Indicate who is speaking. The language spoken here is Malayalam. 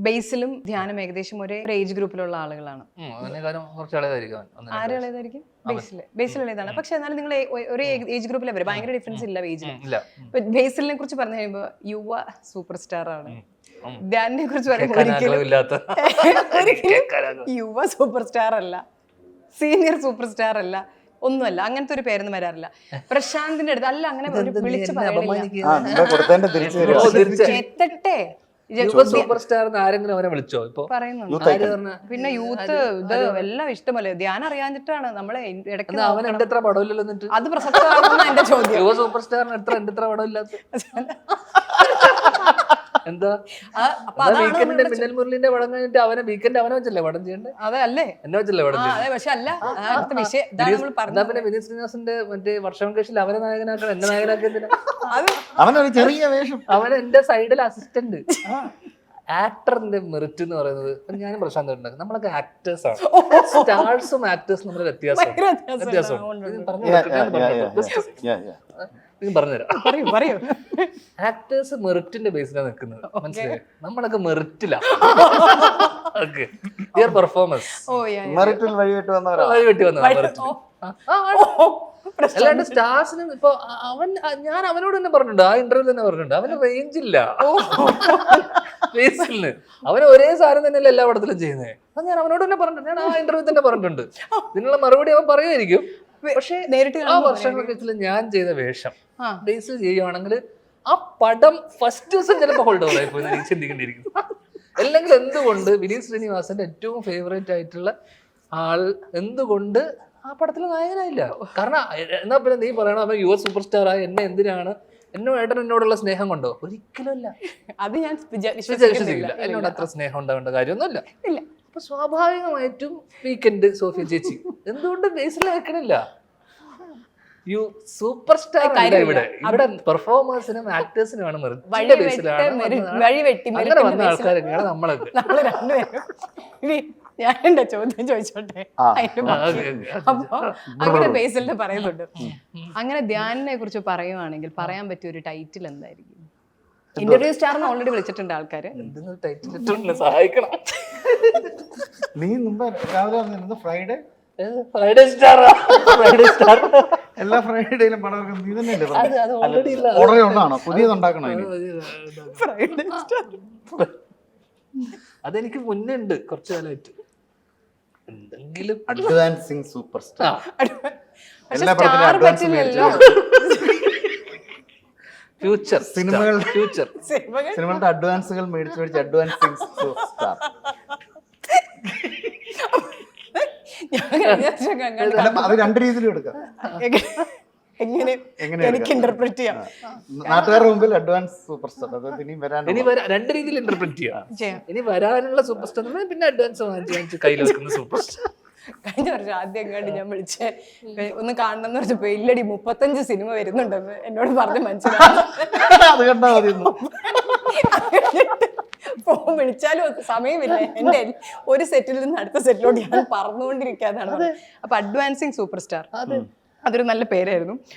Speaker 1: ബേസിലും ധ്യാനം ഏകദേശം ഒരേ ഏജ് ഗ്രൂപ്പിലുള്ള ആളുകളാണ്. ആരും ഇളയതായിരിക്കും? ബേസിലുള്ളതാണ്. പക്ഷെ എന്നാലും നിങ്ങൾ ഒരേ ഏജ് ഗ്രൂപ്പിലെ വരെ ഭയങ്കര ഡിഫറൻസ് ഇല്ല ഏജിൽ. ബേസിലിനെ കുറിച്ച് പറഞ്ഞു കഴിയുമ്പോൾ യുവ സൂപ്പർ സ്റ്റാർ ആണ്. ധ്യാനിനെ കുറിച്ച് പറയുമ്പോൾ യുവ സൂപ്പർ സ്റ്റാർ അല്ല, സീനിയർ സൂപ്പർ സ്റ്റാർ അല്ല, ഒന്നുമല്ല. അങ്ങനത്തെ ഒരു പേരൊന്നും വരാറില്ല. പ്രശാന്തിന്റെ അടുത്ത് അല്ല അങ്ങനെ വിളിച്ചു എത്തട്ടെ
Speaker 2: സൂപ്പർ സ്റ്റാർ ആരെങ്കിലും അവനെ വിളിച്ചോ ഇപ്പൊ
Speaker 1: പറയുന്നുണ്ട്. പിന്നെ യൂത്ത് ഇത് എല്ലാം ഇഷ്ടമല്ലേ. ധ്യാനം അറിയാഞ്ഞിട്ടാണ് നമ്മളെ ഇടയ്ക്ക്.
Speaker 2: അവൻ എന്റെ എത്ര പടമില്ലല്ലോ എന്നിട്ട്
Speaker 1: അത് പ്രസക്തമാണെന്നാണ് എന്റെ ചോദ്യം.
Speaker 2: യുവ സൂപ്പർ സ്റ്റാറിന് എന്റെ എത്ര പടമില്ലാത്ത എന്താ? വീക്കെൻഡിന്റെ മിന്നൽ മുരളിന്റെ പടം കഴിഞ്ഞിട്ട് അവനെ വീക്കെൻഡ് അവനെ വെച്ചല്ലേ പടം ചെയ്യണ്ടേ?
Speaker 1: അതെ അല്ലേ,
Speaker 2: എന്നെ വെച്ചല്ലേ പടം ചെയ്യുന്നത്?
Speaker 1: പക്ഷെ അല്ല
Speaker 2: എന്നാ പിന്നെ വിനീത് ശ്രീനിവാസന്റെ മറ്റേ വർഷം കേസിൽ അവനെ നായകനാക്കണം, എന്നെ നായകനാക്കിയതിന്
Speaker 3: അവനൊരു ചെറിയ വേഷം,
Speaker 2: അവൻ എന്റെ സൈഡിൽ അസിസ്റ്റന്റ്. ആക്ടറിന്റെ മെറിറ്റ് എന്ന് പറയുന്നത് ഞാനും പ്രശാന്ത് ഉണ്ടാക്കും. നമ്മളൊക്കെ ആക്ടേഴ്സ് ആണ്. സ്റ്റാർസും ആക്ടേഴ്സും തമ്മിൽ വ്യത്യാസം. പറഞ്ഞുതരാം. ആക്ടേഴ്സ് മെറിറ്റിന്റെ ബേസിലാണ് നിൽക്കുന്നത്, മനസ്സിലായി? നമ്മളൊക്കെ മെറിറ്റിലാ. പെർഫോമൻസ്
Speaker 3: മെറിറ്റിൽ വഴിവിട്ട്
Speaker 2: വഴിവെട്ടി വന്നതാണ്. അല്ലാണ്ട് സ്റ്റാർസിന് ഇപ്പൊ ഞാൻ അവനോട് തന്നെ പറഞ്ഞിട്ടുണ്ട്, ആ ഇന്റർവ്യൂ തന്നെ പറഞ്ഞിട്ടുണ്ട്, അവന് റേഞ്ച് ഇല്ല ബേസിലിന്. അവന് ഒരേ സാധനം തന്നെയല്ല എല്ലാ പടത്തിലും ചെയ്യുന്നത്. അത് ഞാൻ അവനോട് തന്നെ പറഞ്ഞിട്ടുണ്ട്, ഞാൻ ആ ഇന്റർവ്യൂ തന്നെ പറഞ്ഞിട്ടുണ്ട്. ഇതിനുള്ള മറുപടി അവൻ പറയുമായിരിക്കും. പക്ഷെ നേരിട്ട് ആ വർഷങ്ങൾക്ക് ഞാൻ ചെയ്ത വേഷം ബേസിൽ ചെയ്യുവാണെങ്കിൽ ആ പടം ഫസ്റ്റ് ദിവസം ചിലപ്പോൾ ഹോൾഡ് ഓവർ ആയി പോയി ചിന്തിക്കേണ്ടിയിരിക്കും. അല്ലെങ്കിൽ എന്തുകൊണ്ട് വിനീത് ശ്രീനിവാസന്റെ ഏറ്റവും ഫേവറേറ്റ് ആയിട്ടുള്ള ആൾ എന്തുകൊണ്ട് ആ പടത്തിൽ നായകനായില്ല? കാരണം എന്നാ പിന്നെ നീ പറയണം അവൻ യുവ സൂപ്പർ സ്റ്റാർ ആയ എന്നെ എന്തിനാണ്, എന്നോടുള്ള സ്നേഹം കൊണ്ടോ? ഒരിക്കലും അല്ല.
Speaker 1: അത് ഞാൻ
Speaker 2: വിശ്വസിക്കില്ല. എന്നോട് അത്ര സ്നേഹം ഉണ്ടാവേണ്ട കാര്യമൊന്നുമില്ല. അപ്പൊ സ്വാഭാവികമായിട്ടും വീക്കെൻഡ് സോഫിയ ചേച്ചി എന്തുകൊണ്ട് ബേസിൽ വെക്കണില്ല? യു സൂപ്പർ സ്റ്റാർ ഇവിടെ പെർഫോമേഴ്സിനും ആക്ടേഴ്സിനുമാണ് അങ്ങനെ വന്ന ആൾക്കാരൊക്കെയാണ് നമ്മളൊക്കെ.
Speaker 1: ഞാൻ എന്റെ ചോദ്യം ചോദിച്ചോട്ടെ. അപ്പൊ അങ്ങനെ ബേസിലിനെ പറയുന്നുണ്ട്. അങ്ങനെ ധ്യാനിനെ കുറിച്ച് പറയുവാണെങ്കിൽ പറയാൻ പറ്റിയ ഒരു ടൈറ്റിൽ എന്തായിരിക്കും? ഇന്റർവ്യൂ സ്റ്റാറിന് ഓൾറെഡി വിളിച്ചിട്ടുണ്ട് ആൾക്കാര്.
Speaker 2: സഹായിക്കണം.
Speaker 3: നീ മുമ്പ് രാവിലെ പറഞ്ഞിരുന്നത് ഫ്രൈഡേ
Speaker 2: സ്റ്റാർ
Speaker 3: എല്ലാ ഫ്രൈഡേയിലും പടം നീ തന്നെയല്ലേ ഓർഡർ ഉണ്ടാണോ? പുതിയതുണ്ടാക്കണോ?
Speaker 2: അതെനിക്ക് മുന്നേ ഉണ്ട്, കുറച്ചു കാലമായിട്ട്. എന്തെങ്കിലും
Speaker 3: അഡ്വാൻസിങ് സൂപ്പർ സ്റ്റാർ എല്ലാ
Speaker 2: ഫ്യൂച്ചർ
Speaker 3: സിനിമകളുടെ അഡ്വാൻസുകൾ മേടിച്ച് അഡ്വാൻസിങ് സ്റ്റാർ. അത് രണ്ട് രീതിയിലും എടുക്കാം.
Speaker 1: എനിക്ക് ഇന്റർപ്രറ്റ് ചെയ്യാം.
Speaker 3: നാട്ടുകാരുടെ മുമ്പിൽ അഡ്വാൻസ് സൂപ്പർ സ്റ്റാർ. ഇനി
Speaker 2: രണ്ട് രീതിയിൽ ഇന്റർപ്രറ്റ് ചെയ്യാം. ഇനി വരാനുള്ള സൂപ്പർ സ്റ്റാർ പിന്നെ അഡ്വാൻസ് വാങ്ങിച്ച് കയ്യിൽ വെക്കുന്ന സൂപ്പർ സ്റ്റാർ.
Speaker 1: കഴിഞ്ഞ വർഷം ആദ്യം കണ്ട് ഞാൻ വിളിച്ച് ഒന്ന് കാണണം എന്ന് പറഞ്ഞപ്പോ ഇല്ലടി 35 സിനിമ വരുന്നുണ്ടെന്ന് എന്നോട് പറഞ്ഞ് മനസ്സിലായി.
Speaker 3: അത് കണ്ടാ മതി.
Speaker 1: ഫോൺ വിളിച്ചാലും സമയമില്ല. എന്റെ ഒരു സെറ്റിൽ നിന്ന് അടുത്ത സെറ്റിലോട്ട് ഞാൻ പറന്നുകൊണ്ടിരിക്കാതാണ്. അപ്പൊ അഡ്വാൻസിങ് സൂപ്പർ സ്റ്റാർ അതൊരു നല്ല പേരായിരുന്നു.